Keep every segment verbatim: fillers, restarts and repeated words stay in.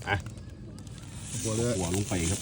อ่ะหัวเลยหัวลงไปครับ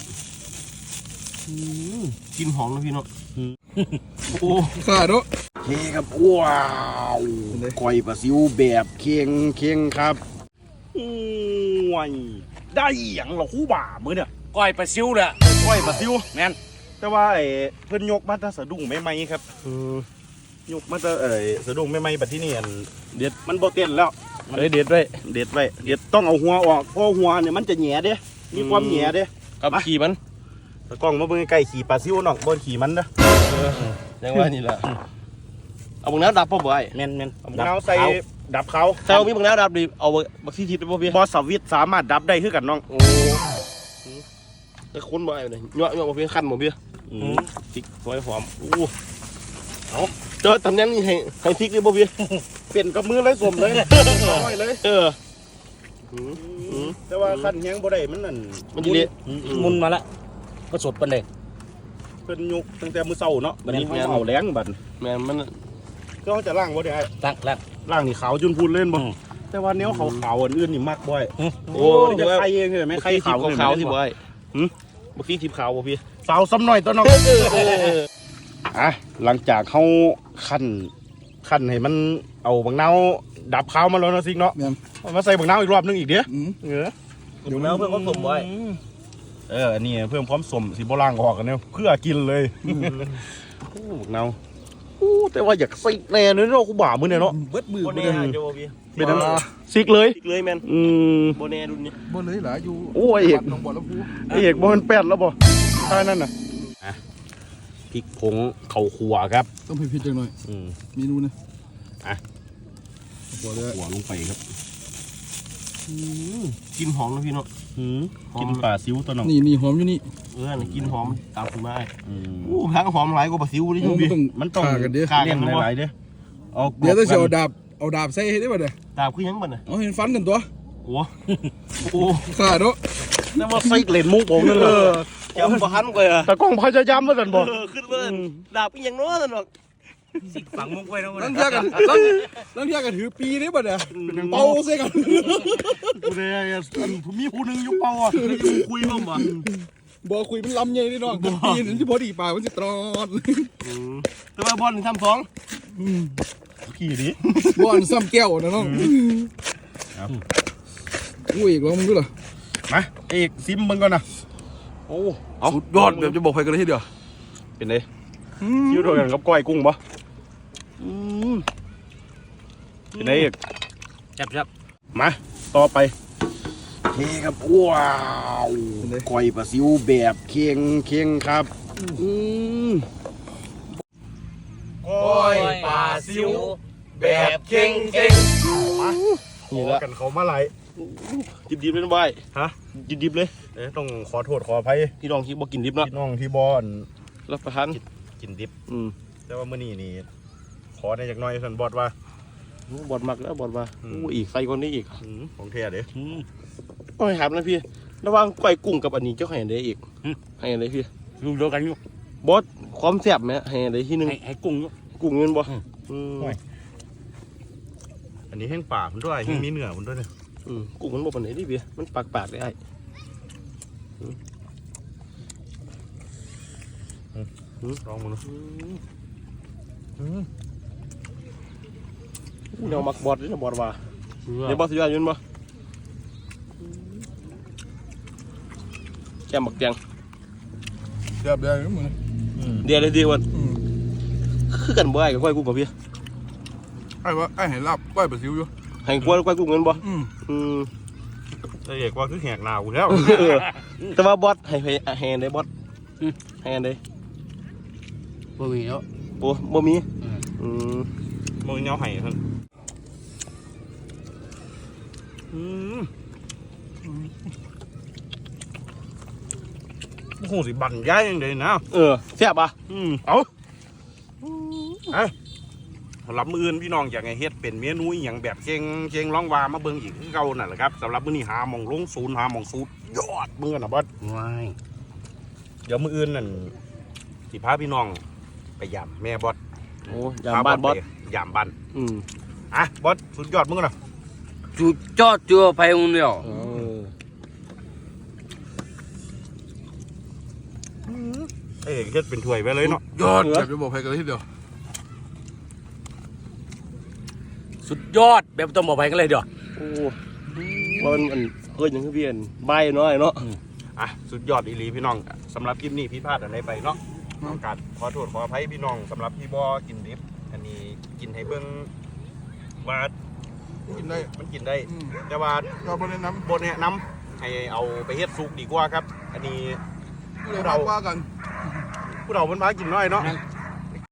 กินหอมนะพี่เนาะโอ้ขาดเนาะเฮ้ครับว้าวก้อยปลาซิวแบบเคียงเคียงครับโอ้ยได้อย่างเราคู่บ่ามือเนี่ยก้อยปลาซิวเลยก้อยปลาซิวแม่นแต่ว่าไอ้เพิ่นยกมาถ้าสะดุ้งไม่ไหมครับยกมาถ้าไอ้สะดุ้งไม่ไหมแบบที่นี่อันเด็ดมันโบเต้นแล้วเฮ้ยเด็ดไว้เด็ดไว้เด็ดต้องเอาหัวออกเพราะหัวเนี่ยมันจะแหน่เด้มีความแหน่เด้กับขี่มันตะกล้องมาเบิ่งใกล้ขี่ปลาซิวน้องบนขี่มันนะยังว่านี่แหละเอาบังน้ำดับป่ะบ่อยแม่นแม่นเอาบังน้ำใส่ดับเขาใส่มีบังน้ำดับดิเอาบักซี่ทิพย์ได้ป่ะพี่บอสสวิตสามารถดับได้คือกันน้องโอ้แต่คนบ่อยเลยเนาะเนาะพี่ขั้นบ่พี่พริกหอยหอมอู้เอาเจอตำแหน่งนี้ให้ให้พริกได้ป่ะพี่เปลี่ยนกับมือเลยสมเลยน้อยเลยเออแต่ว่าขั้นยังบ่ได้มันนั่นมันจะเละมุนมาละก็สดปันเลยเพิ่นยุกตั้งแต่มื้อเช้าเนาะบัดนี้เขาเอาแรงบัดแม่มันก็เขาจะล้างบ่ได้ล้างล้างล้างนี่ขาวจนพูนเล่นบ่แต่ว่าเนี้ยขาวๆอันอื่นนี่มักบ่อยโอ้จะไข่เองใช่ไหมไข่ขาวขาวที่บ่อยหืมบักซี่ทิพย์ขาวบ่พี่สาวซ้ำหน่อยตัวน้องอ่ะหลังจากเขาคั่นคั่นให้มันเอาบังนาวดับขาวมาแล้วนะซิกเนาะมาใส่บังนาวอีกรอบนึงอีกเด้อเอออยู่แล้วเพื่อนก็สมบ่อยเอออันนี้เพิ่มพร้อมสมสีโบราณออกกันเนี่ยเพื่อกินเลยโอ้บักนาวโอ้แต่ว่าอยากซิกแน่เลยเนาะกูบ่ามือเนี่ยเนาะเบิดมือโบเน่เดี๋ยวพี่เป็นนั่นซิกเลยซิกเลยแมนอืมโบเน่ดุนนี่โบเลยเหรออยู่โอ้ยเอกน้องบอลแล้วพูไอเอกบอลแปดแล้วบ่ใช่นั่นน่ะพริกผงเข่าขัวครับต้องพิจารณาหน่อยเมนูนะอ่ะขัวเลยขัวลงไปครับกินหอมนะพี่เนาะกินปลาซิวตัวน้องนี่นี่หอมอยู่นี่เออกินหอมตามคุณแม่โอ้ทั้งหอมหลายกว่าปลาซิวนี่พี่มันต้องกันเด้อขากันหลายเด้อเดี๋ยวต้องเอาดาบเอาดาบใส่ให้ได้ป่ะเด้อดาบคือยังบ่เนี่ยเอาเห็นฟันกันตัวโอ้โหขาดเนาะนั่นว่าไส้เล่นมุกผมนั่นเลยจำบ่ทันเลยแต่กล้องพยายามมาสั่นบ่ขึ้นมาดาบยังน้อยสั่นบอกสิฝังมุกไว้แล้วนั่งเทียกันนั่งนั่งเทียกันถือปีได้ป่ะเด้อเป่าเสียกันกูเลยมีผู้หนึ่งอยู่เป่าอ่ะคุยบ้างบ่บ่คุยมันลำใหญ่ดิน้องปีนั้นที่พอดีป่ามันจะตรอดแต่ว่าบอลทำสองขี่ดิบอลซ้ำแก้วนะน้องอุ้ยอีกแล้วมึงดูเหรอมาเอกซิมมึงก่อนนะโอ้สุดยอดแบบจะบอกใครกันเลยทีเดียวเป็นไงยิ้วโดนกับก้อยกุ้งปะเป็นไงเอกจับจับมาต่อไปเฮ้ครับว้าวก้อยปลาซิวแบบเคียงเคียงครับก้อยปลาซิวแบบเคียงเคียงมานี่ละกันเขามาไหลดิบดิบเลยนะบอยฮะดิบดิบเลยเอ๊ะต้องขอโทษขออภัยพี่น้องที่บอกกินดิบเนาะพี่น้องที่บอลรับประทานกินดิบอืมแต่ว่ามื้อนี้นี่ขอได้จากน้อยสันบอดว่าบอดมักแล้วบอดว่าอู้อีกใส่คนนี้อีกของเทียเด้โอ้ยถามนะพี่ระหว่างก้อยกุ้งกับอันนี้เจ้าให้ได้อีกให้ได้พี่ดูเดียวกันอยู่บอสความแซ่บไหมให้ได้ที่นึงให้กุ้งกุ้งเงินบ่อันนี้แห้งปากมันด้วยแห้งมีเนื้อมันด้วยเนี่ยกุ้งมันบ่ปานไหนดิพี่มันปากปากได้ไอ้ลองมันดูเดี๋ยวมักบอดด้วยนะบอดว่าเดี๋ยวบอสสุดยอดยืนบ่แกมักแกงเดี๋ยวเดี๋ยวมึงเดี๋ยวเลยดีวันคือกันบ่ไอ้กับก้อยกุ้งกับพี่ไอ้ว่าไอ้เห็นลาบก้อยปลาซิวอยู่ให้ก้อยก้อยกุ้งเงินบ่อืมแต่เอกว่าคือแหกหนาวแล้วแต่ว่าบอสให้ให้ได้บอสให้ได้บ่มีแล้วโอ้บ่มีอืมบ่มีเนาะให้ท่านอืมโอ้โหสิบั่นย้ายยังไงนะเออแซ่บป่ะอืมเอาไอ้สำหรับมื้ออื่นพี่น้องอยากให้เฮ็ดเป็นเมนูอย่างแบบเชียงเชียงร้องวามาเบิ่งอีกคือเก่านั่นแหละครับสำหรับมื้อนี้หาหม่องลงศูนย์หาหม่องสูตรยอดมื้อน่ะบอสว้ายเดี๋ยวมื้ออื่นนั่นสิพาพี่น้องไปยามแม่บอสโอ้ยามบ้านบอสยามบ้านอืมอ่ะบอสสุดยอดมื้อน่ะจุดจอดจัวไปอุ่นเดียวเอ้ยเฮ็ดเป็นถ้วยไปเลยเนาะยอดแบบจะบอกใครกันเลยทีเดียวสุดยอดแบบต้องบอกไปกันเลยเดี๋ยวโอ้ว่ามันมันเอ้ยยังคือเพียนใบน้อยเนาะอ่ะสุดยอดอีหลีพี่น้องสำหรับคลิปนี้พี่พลาดอะไรไปเนาะต้องการขอโทษขออภัยพี่น้องสำหรับพี่บอกินดิบอันนี้กินให้เบิ่งว่ากินได้มันกินได้อืมแต่ว่าก็ไม่ได้น้บนแนะนำให้เอาไปเฮ็ดซุกดีกว่าครับ อันนี้ำเราว่ากันผู้เรามันพากินน้อยเนาะ